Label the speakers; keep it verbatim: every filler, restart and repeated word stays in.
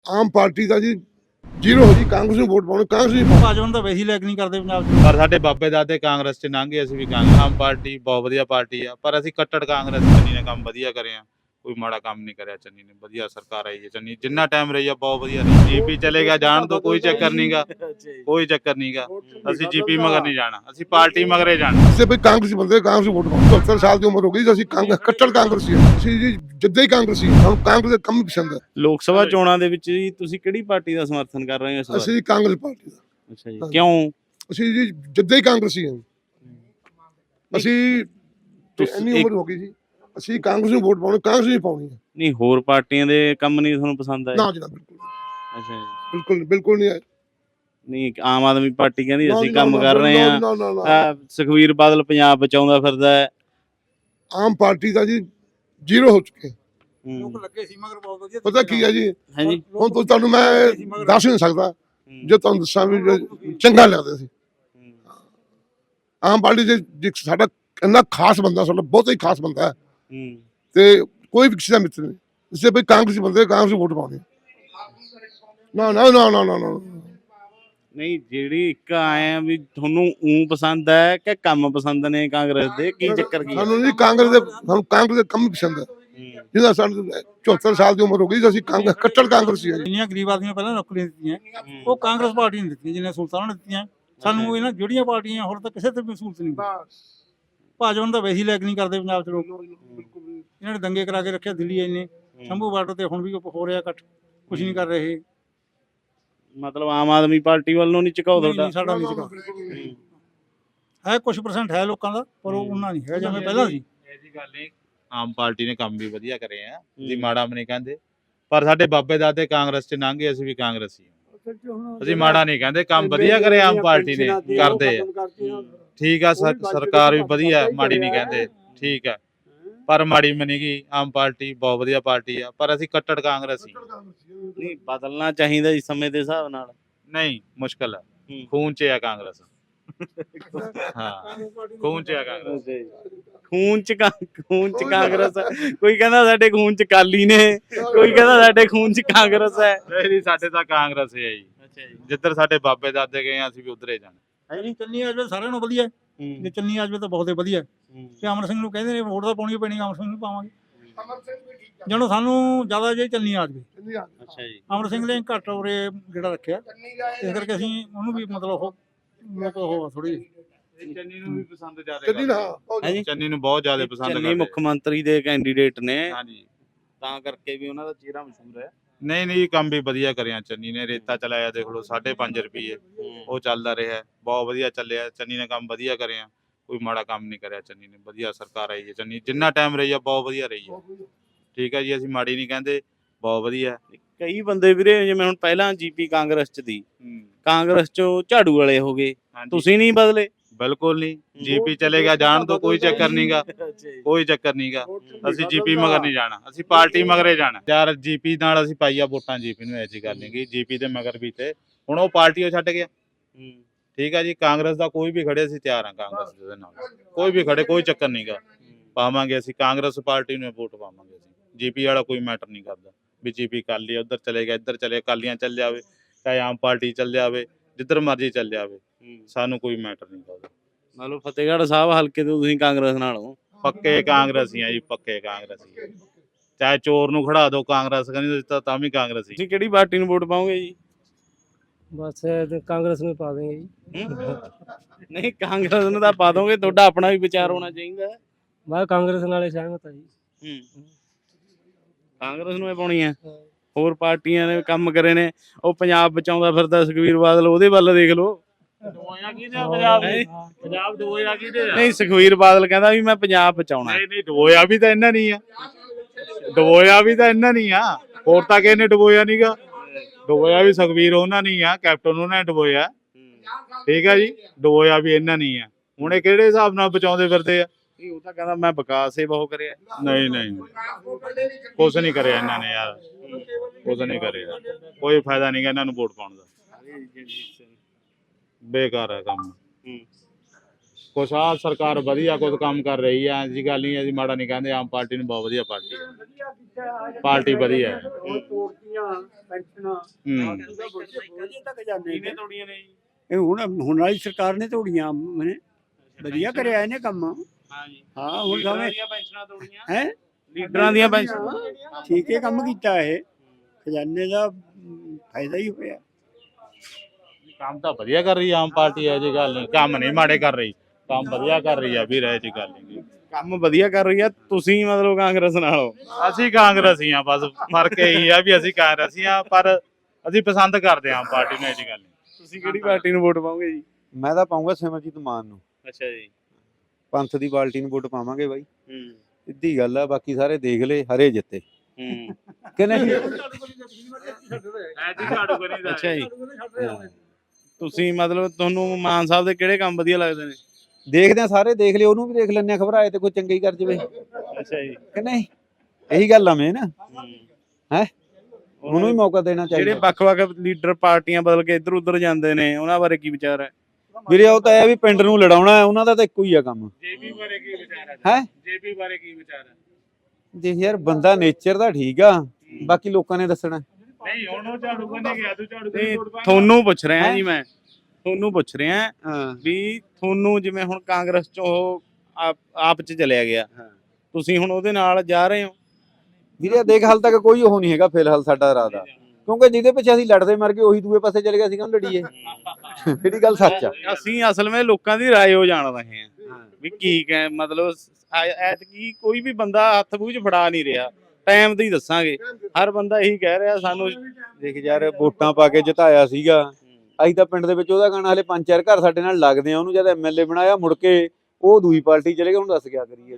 Speaker 1: ਆਮ party ਦਾ ਜੀ zero ਹੋ ਜੀ। ਕਾਂਗਰਸ ਨੂੰ ਵੋਟ ਪਾਉਣੀ, ਕਾਂਗਰਸ ਨੂੰ ਪਾਉਣੀ।
Speaker 2: ਭਾਜਪਾ ਨੂੰ ਤਾਂ ਵੈਸੇ ਲਾਇਕ ਨਹੀਂ ਕਰਦੇ ਪੰਜਾਬ 'ਚ।
Speaker 3: ਪਰ ਸਾਡੇ ਬਾਬੇ ਦਾਦੇ ਕਾਂਗਰਸ 'ਚ ਲੰਘੇ, ਅਸੀਂ ਵੀ ਕਾਂਗਰਸ। ਆਮ ਪਾਰਟੀ ਬਹੁਤ ਵਧੀਆ ਪਾਰਟੀ ਆ, ਪਰ ਅਸੀਂ ਕੱਟੜ ਕਾਂਗਰਸ। ਚੰਨੀ ਨੇ ਕੰਮ ਵਧੀਆ ਕਰੇ ਆ, ਕੋਈ ਮਾੜਾ ਕੰਮ ਨਹੀਂ ਕਰਿਆ। ਚੰਨੀ ਨੇ ਵਧੀਆ ਸਰਕਾਰ ਆਈ ਹੈ, ਚੰਨੀ ਜਿੰਨਾ ਟਾਈਮ ਰਹੀ ਆ ਬਹੁਤ ਵਧੀਆ ਰਹੀ। ਜੀਪੀ ਚਲੇਗਾ ਜਾਣ ਤੋਂ ਕੋਈ ਚੱਕਰ ਨਹੀਂਗਾ, ਕੋਈ ਚੱਕਰ ਨਹੀਂਗਾ। ਅਸੀਂ ਜੀਪੀ ਮਗਰ ਨਹੀਂ ਜਾਣਾ, ਅਸੀਂ ਪਾਰਟੀ ਮਗਰੇ ਜਾਣਾ।
Speaker 1: ਇਸੇ ਵੀ ਕਾਂਗਰਸੀ ਬੰਦੇ ਕਾਂਗਰਸ ਨੂੰ ਵੋਟ ਪਾਉਣੀ। ਚੌਹੱਤਰ ਸਾਲ ਦੀ ਉਮਰ ਹੋ ਗਈ, ਅਸੀਂ ਕਾਂਗਰਸ ਕੱਟੜ ਕਾਂਗਰਸੀ ਹਾਂ। ਅਸੀਂ ਜੀ ਜਿੱਦਾਂ ਹੀ ਕਾਂਗਰਸੀ ਹਾਂ, ਸਾਨੂੰ ਕਾਂਗਰਸ ਦਾ ਕੰਮ ਹੀ ਪਸੰਦ ਹੈ।
Speaker 4: ਲੋਕ ਸਭਾ ਚੋਣਾਂ ਦੇ ਵਿੱਚ ਜੀ ਤੁਸੀਂ ਕਿਹੜੀ ਪਾਰਟੀ ਦਾ ਸਮਰਥਨ ਕਰ ਰਹੇ ਹੋ ਇਸ ਵਾਰ?
Speaker 1: ਅਸੀਂ ਕਾਂਗਰਸ ਪਾਰਟੀ ਦਾ।
Speaker 4: ਅੱਛਾ ਜੀ, ਕਿਉਂ?
Speaker 1: ਅਸੀਂ ਜੀ ਜਿੱਦਾਂ ਹੀ ਕਾਂਗਰਸੀ ਹਾਂ। ਅਸੀਂ
Speaker 4: ਤੁਸੀਂ
Speaker 1: ਇੰਨੀ ਉਮਰ ਹੋ ਗਈ ਜੀ, ਅਸੀਂ ਕਾਂਗਰਸ ਨੂੰ ਵੋਟ ਪਾਉਣੀ, ਕਾਂਗਰਸ ਨੂੰ ਪਾਉਣੀ ਹੈ।
Speaker 4: ਨਹੀਂ, ਹੋਰ ਪਾਰਟੀਆਂ ਦੇ ਕੰਮ ਨਹੀਂ ਤੁਹਾਨੂੰ ਪਸੰਦ ਆਏ?
Speaker 1: ਨਾ ਜੀ ਨਾ, ਬਿਲਕੁਲ
Speaker 4: ਅੱਛਾ ਜੀ,
Speaker 1: ਬਿਲਕੁਲ ਬਿਲਕੁਲ ਨਹੀਂ ਆਏ।
Speaker 4: ਨਹੀਂ ਆਮ ਆਦਮੀ ਪਾਰਟੀ ਕਹਿੰਦੀ
Speaker 1: ਨਾ
Speaker 4: ਅਸੀਂ
Speaker 1: ਜੀ,
Speaker 4: ਕੰਮ
Speaker 1: ਨਾ,
Speaker 4: ਕਰ ਰਹੇ
Speaker 1: ਨਾ,
Speaker 4: ਹਾਂ।
Speaker 1: ਨਾ, ਨਾ, ਨਾ।
Speaker 4: ਆਹ ਸੁਖਬੀਰ ਬਾਦਲ ਪੰਜਾਬ ਬਚਾਉਂਦਾ ਫਿਰਦਾ ਹੈ।
Speaker 1: ਆਮ ਪਾਰਟੀ ਦਾ ਜੀ ਜ਼ੀਰੋ ਹੋ ਚੁੱਕੇ।
Speaker 4: ਹੂੰ।
Speaker 2: ਲੋਕ ਲੱਗੇ ਸੀ ਮਗਰ ਬਹੁਤ ਵਧੀਆ।
Speaker 1: ਪਤਾ ਕੀ ਹੈ ਜੀ,
Speaker 4: ਹਾਂਜੀ।
Speaker 1: ਹੁਣ ਤੋਂ ਤੁਹਾਨੂੰ ਮੈਂ ਦੱਸ ਨਹੀਂ ਸਕਦਾ, ਜੇ ਤੁਹਾਨੂੰ ਦੱਸਾਂ ਵੀ ਚੰਗਾ ਲੱਗਦਾ ਸੀ।
Speaker 4: ਹੂੰ।
Speaker 1: ਆਮ ਪਾਰਟੀ ਦੇ ਜੇ ਸਾਡਾ ਇੰਨਾ ਖਾਸ ਬੰਦਾ, ਸਾਡਾ ਬਹੁਤ ਹੀ ਖਾਸ ਬੰਦਾ ਹੈ,
Speaker 4: ਹੂੰ।
Speaker 1: ਤੇ ਕੋਈ ਵੀ ਕਿਸੇ ਦਾ ਮਿੱਤਰ ਨਹੀਂ। ਇਸੇ ਵੀ ਕਾਂਗਰਸੀ ਬੰਦੇ ਕਾਂਗਰਸ ਨੂੰ ਵੋਟ ਪਾਉਣੀ। ਨਾ ਨਾ ਨਾ ਨਾ ਨਾ ਨਾ
Speaker 4: ਨਹੀਂ, ਜਿਹੜੀ ਇੱਕ ਆਏ ਆ ਵੀ ਤੁਹਾਨੂੰ ਊਂ ਪਸੰਦ ਹੈ ਕਿ ਕੰਮ ਪਸੰਦ ਨੇ ਕਾਂਗਰਸ ਦੇ, ਕੀ ਚੱਕਰ ਕੀ ਹੈ?
Speaker 1: ਸਾਨੂੰ ਜੀ ਕਾਂਗਰਸ ਦੇ, ਸਾਨੂੰ ਕਾਂਗਰਸ ਦੇ ਕੰਮ ਹੀ ਪਸੰਦ ਹੈ।
Speaker 4: ਹੂੰ।
Speaker 1: ਜਿਹਦਾ ਸਾਨੂੰ ਚੌਹੱਤਰ ਸਾਲ ਦੀ ਉਮਰ ਹੋ ਗਈ, ਅਸੀਂ ਕਾਂਗਰਸ ਕੱਟੜ ਕਾਂਗਰਸੀ ਹਾਂ ਜੀ।
Speaker 2: ਜਿੰਨੀਆਂ ਗਰੀਬ ਆਦਮੀਆਂ ਪਹਿਲਾਂ ਨੌਕਰੀਆਂ ਦਿੱਤੀਆਂ ਉਹ ਕਾਂਗਰਸ ਪਾਰਟੀ ਨੇ ਦਿੱਤੀਆਂ, ਜਿੰਨੀਆਂ ਸਹੂਲਤਾਂ ਉਹਨਾਂ ਨੇ ਦਿੱਤੀਆਂ ਸਾਨੂੰ। ਇਹਨਾਂ ਜਿਹੜੀਆਂ ਪਾਰਟੀਆਂ ਹੋਰ ਤਾਂ ਕਿਸੇ ਤੇ ਵੀ ਸਹੂਲਤ ਨਹੀਂ। ਭਾਜਪਾ ਨੂੰ ਤਾਂ ਵੈਸੇ ਲਾਇਕ ਨਹੀਂ ਕਰਦੇ ਪੰਜਾਬ 'ਚ ਲੋਕ। ਇਹਨਾਂ ਨੇ ਦੰਗੇ ਕਰਾ ਕੇ ਰੱਖਿਆ ਦਿੱਲੀ ਇੰਨੇ, ਸ਼ੰਭੂ ਬਾਰਡਰ ਤੇ ਹੁਣ ਵੀ ਹੋ ਰਿਹਾ ਇਕੱਠ, ਕੁਝ ਨਹੀਂ ਕਰ ਰਹੇ।
Speaker 4: ਮਤਲਬ ਆਮ ਆਦਮੀ ਪਾਰਟੀ ਵੱਲੋਂ ਨਹੀਂ ਝੁਕਾਓ
Speaker 2: ਨਹੀਂ,
Speaker 4: ਤੁਹਾਡਾ?
Speaker 2: ਨਹੀਂ, ਸਾਡਾ ਨਹੀਂ ਸੀਗਾ। ਹੈ ਕੁਝ ਪਰਸੈਂਟ ਹੈ ਲੋਕਾਂ ਦਾ, ਪਰ ਉਹ ਉਹਨਾਂ ਨਹੀਂ ਹੈ ਜਿਵੇਂ ਪਹਿਲਾਂ ਸੀ।
Speaker 3: ਐਸੀ ਗੱਲ ਨਹੀਂ, ਆਮ ਪਾਰਟੀ ਨੇ ਕੰਮ ਵੀ ਵਧੀਆ ਕਰੇ ਆ, ਅਸੀਂ ਮਾੜਾ ਵੀ ਨਹੀਂ ਕਹਿੰਦੇ। ਪਰ ਸਾਡੇ ਬਾਬੇ ਦਾਦੇ ਕਾਂਗਰਸ 'ਚ ਲੰਘੇ, ਅਸੀਂ ਵੀ ਕਾਂਗਰਸੀ ਹਾਂ। ਅਸੀਂ ਮਾੜਾ ਨਹੀਂ ਕਹਿੰਦੇ, ਕੰਮ ਵਧੀਆ ਕਰੇ ਆਮ ਪਾਰਟੀ ਨੇ, ਕਰਦੇ ਆ। ਠੀਕ ਆ, ਸਰ- ਸਰਕਾਰ ਵੀ ਵਧੀਆ, ਮਾੜੀ ਨਹੀਂ ਕਹਿੰਦੇ, ਠੀਕ ਆ। ਪਰ ਮਾੜੀ ਮਨੀ ਗਈ ਆਮ ਪਾਰਟੀ, ਬਹੁਤ ਵਧੀਆ ਪਾਰਟੀ ਆ, ਪਰ ਅਸੀਂ ਕੱਟੜ ਕਾਂਗਰਸੀ।
Speaker 4: ਨਹੀਂ, ਬਦਲਣਾ ਚਾਹੀਦਾ ਜੀ ਸਮੇਂ ਦੇ ਹਿਸਾਬ ਨਾਲ।
Speaker 3: ਨਹੀਂ, ਮੁਸ਼ਕਲ ਆ,
Speaker 4: ਹੂੰ।
Speaker 3: ਖੂਨ 'ਚ ਆ ਕਾਂਗਰਸ। ਹਾਂ, ਖੂਨ 'ਚ ਆ ਕਾਂਗਰਸ।
Speaker 4: ਖੂਨ ਚ ਕਾਂ- ਖੂਨ ਚ ਕਾਂਗਰਸ ਹੈ। ਕੋਈ ਕਹਿੰਦਾ ਸਾਡੇ ਖੂਨ ਚ ਕਾਲੀ ਨੇ, ਕੋਈ ਕਹਿੰਦਾ ਸਾਡੇ ਖੂਨ ਚ ਕਾਂਗਰਸ ਹੈ।
Speaker 3: ਨਹੀਂ ਨਹੀਂ, ਸਾਡੇ ਤਾਂ ਕਾਂਗਰਸ ਹੀ ਹੈ ਜੀ।
Speaker 4: ਅੱਛਾ ਜੀ।
Speaker 3: ਜਿੱਧਰ ਸਾਡੇ ਬਾਬੇ ਦਾਦੇ ਗਏ ਆ, ਅਸੀਂ ਵੀ ਉਧਰੇ ਜਾਣਾ।
Speaker 2: ਹੈ ਨਹੀਂ, ਚੰਨੀ ਆਜਵੇ ਸਾਰਿਆਂ ਨੂੰ ਵਧੀਆ, ਜੇ ਚੰਨੀ ਆਜਵੇ ਤਾਂ ਬਹੁਤ ਹੀ ਵਧੀਆ। ਤੇ ਅਮਰ ਸਿੰਘ ਨੂੰ ਕਹਿੰਦੇ ਨੇ ਵੋਟ ਤਾਂ ਪਾਉਣੀ ਪੈਣੀ, ਅਮਰ ਸਿੰਘ ਨੂੰ ਪਾਵਾਂਗੇ। ਜਦੋਂ ਸਾਨੂੰ ਜ਼ਿਆਦਾ ਜੇ ਚੰਨੀ ਆਜਵੇ।
Speaker 4: ਅੱਛਾ ਜੀ।
Speaker 2: ਅਮਰ ਸਿੰਘ ਨੇ ਘੱਟ ਉਰੇ ਜਿਹੜਾ ਰੱਖਿਆ, ਇਸ ਕਰਕੇ ਅਸੀਂ ਉਹਨੂੰ ਵੀ ਮਤਲਬ ਉਹ ਲੋਕ ਉਹ ਥੋੜੀ
Speaker 3: ਚੰਨੀ ਨੂੰ ਵੀ ਪਸੰਦ ਜ਼ਿਆਦਾ
Speaker 1: ਚੱਲੀ ਨਾ
Speaker 4: ਹਾਂਜੀ।
Speaker 3: ਚੰਨੀ ਨੂੰ ਬਹੁਤ ਜ਼ਿਆਦਾ ਪਸੰਦ
Speaker 4: ਚੰਨੀ
Speaker 3: ਕਰਦੇ।
Speaker 4: ਮੁੱਖ ਮੰਤਰੀ ਦੇ ਕੈਂਡੀਡੇਟ ਨੇ,
Speaker 3: ਹਾਂਜੀ,
Speaker 4: ਤਾਂ ਕਰਕੇ ਵੀ ਉਹਨਾਂ ਦਾ ਚਿਹਰਾ ਮਸ਼ਹੂਰ ਹੈ।
Speaker 3: ਨਹੀਂ ਨਹੀਂ, ਕੰਮ ਵੀ ਵਧੀਆ ਕਰਿਆ ਚੰਨੀ ਨੇ। ਰੇਤਾ ਚਲਾਇਆ ਦੇਖ ਲਓ, ਸਾਢੇ ਪੰਜ ਰੁਪਏ ਉਹ ਚੱਲਦਾ ਰਿਹਾ, ਬਹੁਤ ਵਧੀਆ ਚੱਲਿਆ। ਚੰਨੀ ਨੇ ਕੰਮ ਵਧੀਆ ਕਰਿਆ, ਕੋਈ ਮਾੜਾ ਕੰਮ ਨਹੀਂ ਕਰਿਆ ਚੰਨੀ ਨੇ। ਵਧੀਆ ਸਰਕਾਰ ਆਈ ਹੈ ਚੰਨੀ, ਜਿੰਨਾ ਟਾਈਮ ਰਹੀ ਆ ਬਹੁਤ ਵਧੀਆ ਰਹੀ ਹੈ। ਠੀਕ ਹੈ ਜੀ, ਅਸੀਂ ਮਾੜੀ ਨਹੀਂ ਕਹਿੰਦੇ, ਬਹੁਤ ਵਧੀਆ।
Speaker 4: ਕਈ ਬੰਦੇ ਵੀਰੇ ਜਿਵੇਂ ਹੁਣ ਪਹਿਲਾਂ ਜੀਪੀ ਕਾਂਗਰਸ ਚ ਦੀ,
Speaker 3: ਹੂੰ,
Speaker 4: ਕਾਂਗਰਸ ਚੋਂ ਝਾੜੂ ਵਾਲੇ ਹੋ ਗਏ,
Speaker 3: ਹਾਂਜੀ,
Speaker 4: ਤੁਸੀਂ ਨਹੀਂ ਬਦਲੇ?
Speaker 3: ਬਿਲਕੁਲ ਨਹੀਂ। ਜੀਪੀ ਚਲੇਗਾ ਜਾਣ ਤੋਂ ਕੋਈ ਚੱਕਰ ਨਹੀਂਗਾ, ਕੋਈ ਚੱਕਰ ਨਹੀਂਗਾ। ਅਸੀਂ ਜੀਪੀ ਮਗਰ ਨਹੀਂ ਜਾਣਾ, ਅਸੀਂ ਪਾਰਟੀ ਮਗਰੇ ਜਾਣਾ। ਯਾਰ ਜੀਪੀ ਨਾਲ ਅਸੀਂ ਪਾਈਆ ਵੋਟਾਂ ਜੀਪੀ ਨੂੰ, ਐਸੀ ਗੱਲ ਨਹੀਂ। ਜੀਪੀ ਦੇ ਮਗਰ ਵੀ ਤੇ ਹੁਣ ਉਹ ਪਾਰਟੀ ਉਹ ਛੱਡ ਗਿਆ। ਠੀਕ ਹੈ ਜੀ, ਕਾਂਗਰਸ ਦਾ ਕੋਈ ਵੀ ਖੜੇ, ਅਸੀਂ ਤਿਆਰ ਹਾਂ ਕਾਂਗਰਸ ਦੇ ਨਾਲ। ਕੋਈ ਵੀ ਖੜੇ, ਕੋਈ ਚੱਕਰ ਨਹੀਂਗਾ, ਪਾਵਾਂਗੇ ਅਸੀਂ ਕਾਂਗਰਸ ਪਾਰਟੀ ਨੂੰ ਵੋਟ ਪਾਵਾਂਗੇ। ਅਸੀਂ ਜੀਪੀ ਵਾਲਾ ਕੋਈ ਮੈਟਰ ਨਹੀਂ ਕਰਦਾ ਵੀ ਜੀਪੀ ਕਾਲੀ ਉੱਧਰ ਚਲੇ ਗਿਆ, ਇੱਧਰ ਚਲੇ, ਕਾਲੀਆਂ ਚੱਲ ਜਾਵੇ, ਚਾਹੇ ਆਮ ਪਾਰਟੀ ਚੱਲ ਜਾਵੇ, ਜਿੱਧਰ ਮਰਜ਼ੀ ਚੱਲ ਜਾਵੇ, ਸਾਨੂੰ ਕੋਈ ਮੈਟਰ ਨਹੀਂ ਕਰਦਾ।
Speaker 4: ਮਤਲਬ ਫਤਿਹਗੜ੍ਹ ਸਾਹਿਬ ਹਲਕੇ ਤੋਂ ਤੁਸੀਂ ਕਾਂਗਰਸ ਨਾਲ ਹੋ?
Speaker 3: ਪੱਕੇ ਕਾਂਗਰਸੀ ਆ ਜੀ, ਪੱਕੇ ਕਾਂਗਰਸੀ। ਚਾਹੇ ਚੋਰ ਨੂੰ ਖੜਾ ਦੋ ਕਾਂਗਰਸ ਕਹਿੰਦੀ ਦਿੱਤਾ ਤਾਂ ਵੀ ਕਾਂਗਰਸੀ।
Speaker 4: ਤੁਸੀਂ ਕਿਹੜੀ ਪਾਰਟੀ ਨੂੰ ਵੋਟ ਪਾਓਗੇ ਜੀ?
Speaker 5: ਬਸ ਕਾਂਗਰਸ ਨੂੰ ਪਾ ਦੇंगे ਜੀ।
Speaker 4: ਨਹੀਂ, ਕਾਂਗਰਸ ਨੂੰ ਤਾਂ ਪਾ ਦੋਗੇ, ਤੁਹਾਡਾ ਆਪਣਾ ਵੀ ਵਿਚਾਰ ਹੋਣਾ ਚਾਹੀਦਾ।
Speaker 5: ਮੈਂ ਕਾਂਗਰਸ ਨਾਲੇ ਸਹਿਮਤ ਹਾਂ ਜੀ।
Speaker 4: ਹੂੰ, ਕਾਂਗਰਸ ਨੂੰ ਹੀ ਪਾਉਣੀ ਹੈ। ਹੋਰ ਪਾਰਟੀਆਂ ਨੇ ਕੰਮ ਕਰੇ ਨੇ, ਉਹ ਪੰਜਾਬ ਬਚਾਉਂਦਾ ਫਿਰਦਾ ਸੁਖਬੀਰ ਬਾਦਲ, ਉਹਦੇ ਵੱਲ ਦੇਖ ਲਓ।
Speaker 3: ਪੰਜਾਬ ਡੋਇਆ ਕਿਹਦੇ ਆ?
Speaker 4: ਨਹੀਂ, ਸੁਖਬੀਰ ਬਾਦਲ ਕਹਿੰਦਾ ਵੀ ਮੈਂ ਪੰਜਾਬ ਬਚਾਉਣਾ।
Speaker 3: ਨਹੀਂ ਨਹੀਂ, ਡੋਇਆ ਵੀ ਤਾਂ ਇਹਨਾਂ ਨਹੀਂ ਆ, ਡੋਇਆ ਵੀ ਤਾਂ ਇਹਨਾਂ ਨਹੀਂ ਆ, ਹੋਰ ਤਾਂ ਕਿਸੇ ਨੇ ਡਬੋਇਆ ਨਹੀਂਗਾ। ਡਬੋਇਆ ਵੀ ਸੁਖਬੀਰ ਉਹਨਾਂ ਨਹੀਂ ਆ, ਕੈਪਟਨ ਉਹਨਾਂ ਨੇ ਡਬੋਇਆ। ਠੀਕ ਆ ਜੀ, ਡਬੋਇਆ ਵੀ ਇਹਨਾਂ ਨਹੀਂ ਆ। ਹੁਣ ਇਹ ਕਿਹੜੇ ਹਿਸਾਬ ਨਾਲ ਬਚਾਉਂਦੇ ਫਿਰਦੇ ਆ?
Speaker 4: ਉਹ ਤਾਂ ਕਹਿੰਦਾ ਮੈਂ ਵਿਕਾਸ ਹੀ ਬਹੁਤ ਕਰਿਆ।
Speaker 3: ਨਹੀਂ ਨਹੀਂ, ਕੁਛ ਨਹੀਂ ਕਰਿਆ ਇਹਨਾਂ ਨੇ ਯਾਰ, ਕੁਛ ਨਹੀਂ ਕਰਿਆ। ਕੋਈ ਫਾਇਦਾ ਨਹੀਂਗਾ ਇਹਨਾਂ ਨੂੰ ਵੋਟ ਪਾਉਣ ਦਾ, ਬੇਕਾਰ ਹੈ ਕੰਮ। ਕੁਛ ਆ ਸਰਕਾਰ ਵਧੀਆ ਕੁਝ ਕੰਮ ਕਰ ਰਹੀ ਹੈ, ਐਸੀ ਗੱਲ ਨਹੀਂ, ਅਸੀਂ ਮਾੜਾ ਨਹੀਂ ਕਹਿੰਦੇ। ਆਮ ਪਾਰਟੀ ਨੂੰ ਬਹੁਤ ਵਧੀਆ ਪਾਰਟੀ ਹੈ, ਪਾਰਟੀ ਵਧੀਆ ਹੈ। ਹੂੰ
Speaker 4: ਕਿਹਨੇ ਤੋੜੀਆਂ ਨੇ ਜੀ?
Speaker 6: ਇਹ ਹੁਣ ਹੁਣ ਵਾਲੀ ਸਰਕਾਰ ਨੇ ਤੋੜੀਆਂ ਮੈਨੇ ਵਧੀਆ ਕਰਿਆ ਇਹਨੇ ਕੰਮ।
Speaker 4: ਹਾਂ ਜੀ,
Speaker 6: ਹਾਂ ਹੁਣ
Speaker 4: ਲੀਡਰਾਂ
Speaker 6: ਸਾਵੇਂ
Speaker 4: ਦੀਆਂ ਪੈਨਸ਼ਨਾਂ ਤੋੜੀਆਂ,
Speaker 6: ਹੈ
Speaker 4: ਲੀਡਰਾਂ ਦੀਆਂ ਪੈਨਸ਼ਨਾਂ।
Speaker 6: ਠੀਕ ਹੈ ਕੰਮ ਕੀਤਾ ਇਹ, ਖਜ਼ਾਨੇ ਦਾ ਅਮ, ਫਾਇਦਾ ਹੀ ਹੋਇਆ।
Speaker 3: ਕੰਮ ਤਾਂ ਵਧੀਆ ਕਰ ਰਹੀ ਹੈ ਆਮ ਪਾਰਟੀ, ਹੈ ਜੀ ਗੱਲ ਨਹੀਂ, ਕੰਮ ਨਹੀਂ ਮਾੜੇ ਕਰ ਰਹੀ, ਕੰਮ ਵਧੀਆ ਕਰ ਰਹੀ ਹੈ ਵੀਰ, ਇਹ ਜੀ ਗੱਲ ਨਹੀਂ।
Speaker 4: ਕੰਮ ਵਧੀਆ ਕਰ ਰਹੀ ਆ, ਤੁਸੀਂ ਮਤਲਬ ਕਾਂਗਰਸ ਨਾਲੋਂ?
Speaker 3: ਅਸੀਂ ਕਾਂਗਰਸੀ ਆ, ਬਸ ਫਰਕ ਇਹੀ ਆ ਵੀ ਅਸੀਂ ਕਾਂਗਰਸੀ ਆ, ਪਰ ਅਸੀਂ ਪਸੰਦ ਕਰਦੇ ਹਾਂ ਆਮ ਪਾਰਟੀ ਨੂੰ, ਇਹ ਜੀ ਗੱਲ ਨਹੀਂ।
Speaker 4: ਤੁਸੀਂ ਕਿਹੜੀ ਪਾਰਟੀ ਨੂੰ ਵੋਟ ਪਾਓਗੇ ਜੀ?
Speaker 7: ਮੈਂ ਤਾਂ ਪਾਉਂਗਾ ਸਿਮਰਜੀਤ ਮਾਨ ਨੂੰ,
Speaker 4: ਅੱਛਾ ਜੀ।
Speaker 7: ਪੰਥ ਦੀ ਪਾਰਟੀ ਨੂੰ ਵੋਟ ਪਾਵਾਂਗੇ ਬਾਈ,
Speaker 4: ਹੂੰ
Speaker 7: ਸਿੱਧੀ ਗੱਲ ਆ। ਬਾਕੀ ਸਾਰੇ ਦੇਖ ਲਏ, ਹਰੇ ਜਿੱਤੇ
Speaker 4: ਹੂੰ
Speaker 7: ਕਿ ਨਹੀਂ?
Speaker 4: ਅੱਛਾ ਜੀ। ਤੁਸੀਂ ਮਤਲਬ ਤੁਹਾਨੂੰ ਮਾਨ ਸਾਹਿਬ ਦੇ ਕਿਹੜੇ ਕੰਮ ਵਧੀਆ ਲੱਗਦੇ ਨੇ?
Speaker 7: ਦੇਖਦੇ ਆ ਸਾਰੇ, ਦੇਖ ਲਿਓ, ਉਹਨੂੰ ਵੀ ਦੇਖ ਲੈਣੇ ਆ, ਖਬਰਾਏ ਤੇ ਕੋਈ ਚੰਗਾ ਹੀ ਕਰ ਜਵੇ
Speaker 4: ਅੱਛਾ ਜੀ।
Speaker 7: ਕਿ ਨਹੀਂ? ਇਹੀ ਗੱਲ ਆ ਮੈਂ ਨਾ ਹੈ, ਉਹਨੂੰ ਵੀ ਮੌਕਾ ਦੇਣਾ
Speaker 4: ਜਿਹੜੇ
Speaker 7: ਚਾਹੀਦਾ।
Speaker 4: ਵੱਖ-ਵੱਖ ਲੀਡਰ ਪਾਰਟੀਆਂ ਬਦਲ ਕੇ ਇੱਧਰ ਉੱਧਰ ਜਾਂਦੇ ਨੇ, ਉਹਨਾਂ ਬਾਰੇ ਕੀ ਵਿਚਾਰ ਹੈ?
Speaker 7: ਵੀਰੇ ਉਹ ਤਾਂ ਇਹ ਵੀ ਪਿੰਡ ਨੂੰ ਲੜਾਉਣਾ ਹੈ, ਉਹਨਾਂ ਦਾ ਤਾਂ ਇੱਕੋ ਹੀ ਆ ਕੰਮ।
Speaker 3: ਜੇਪੀ ਬਾਰੇ ਕੀ ਵਿਚਾਰ ਹੈ?
Speaker 7: ਹੈ
Speaker 3: ਜੇਪੀ ਬਾਰੇ ਕੀ ਵਿਚਾਰ ਹੈ?
Speaker 7: ਦੇਖ ਯਾਰ, ਬੰਦਾ ਨੇਚਰ ਦਾ ਠੀਕ ਆ, ਬਾਕੀ ਲੋਕਾਂ ਨੇ ਦੱਸਣਾ।
Speaker 3: ਨਹੀਂ ਹੁਣ ਉਹ ਝਾੜੂ ਕਰਨੇ ਗਿਆ, ਤੂੰ ਝਾੜੂ
Speaker 4: ਨਹੀਂ,
Speaker 3: ਵੋਟ ਪਾਏਂਗਾ?
Speaker 4: ਤੁਹਾਨੂੰ ਪੁੱਛ ਰਿਹਾ ਜੀ ਮੈਂ, ਤੁਹਾਨੂੰ ਪੁੱਛ ਰਿਹਾ
Speaker 7: ਹਾਂ
Speaker 4: ਵੀ ਤੁਹਾਨੂੰ ਜਿਵੇਂ ਹੁਣ ਕਾਂਗਰਸ ਚ ਉਹ ਆਪ ਆਪ ਚ ਚਲਿਆ ਗਿਆ, ਤੁਸੀਂ ਹੁਣ ਉਹਦੇ ਨਾਲ ਜਾ ਰਹੇ ਹੋ?
Speaker 7: ਵੀਰੇ ਦੇਖ, ਹਾਲ ਤੱਕ ਕੋਈ ਉਹ ਨਹੀਂ ਹੈਗਾ ਫਿਲਹਾਲ ਸਾਡਾ ਇਰਾਦਾ, ਕਿਉਂਕਿ ਜਿਹਦੇ ਪਿੱਛੇ ਅਸੀਂ ਲੜਦੇ ਮਰ ਗਏ ਉਹੀ ਦੂਏ ਪਾਸੇ ਚਲੇ ਗਿਆ ਸੀ, ਕਿਉਂ ਲੜੀਏ? ਜਿਹੜੀ ਗੱਲ ਸੱਚ ਆ।
Speaker 4: ਅਸੀਂ ਅਸਲ ਵਿੱਚ ਲੋਕਾਂ ਦੀ ਰਾਏ ਹੋ ਜਾਣ ਰਹੇ ਹਾਂ ਵੀ ਕੀ ਕਹਿ ਮਤਲਬ ਐਤਕੀ ਕੋਈ ਵੀ ਬੰਦਾ ਹੱਥ ਬੂਝ ਫੜਾ ਨਹੀਂ ਰਿਹਾ, ਟਾਈਮ ਤੇ ਹੀ ਦੱਸਾਂਗੇ। ਹਰ ਬੰਦਾ ਇਹੀ ਕਹਿ ਰਿਹਾ ਸਾਨੂੰ।
Speaker 7: ਦੇਖ ਯਾਰ, ਵੋਟਾਂ ਪਾ ਕੇ ਜਿਤਾਇਆ ਸੀਗਾ, ਅਸੀਂ ਤਾਂ ਪਿੰਡ ਦੇ ਵਿੱਚ ਉਹਦਾ ਗਾਣਾ ਹਲੇ ਪੰਜ ਚਾਰ ਘਰ ਸਾਡੇ ਨਾਲ ਲੱਗਦੇ ਆ, ਉਹਨੂੰ ਜਦ ਐਮਐਲਏ ਬਣਾਇਆ, ਮੁੜ ਕੇ ਉਹ ਦੂਈ ਪਾਰਟੀ ਚਲੇ ਗਿਆ, ਹੁਣ ਦੱਸ ਕਿਆ ਕਰੀਏ?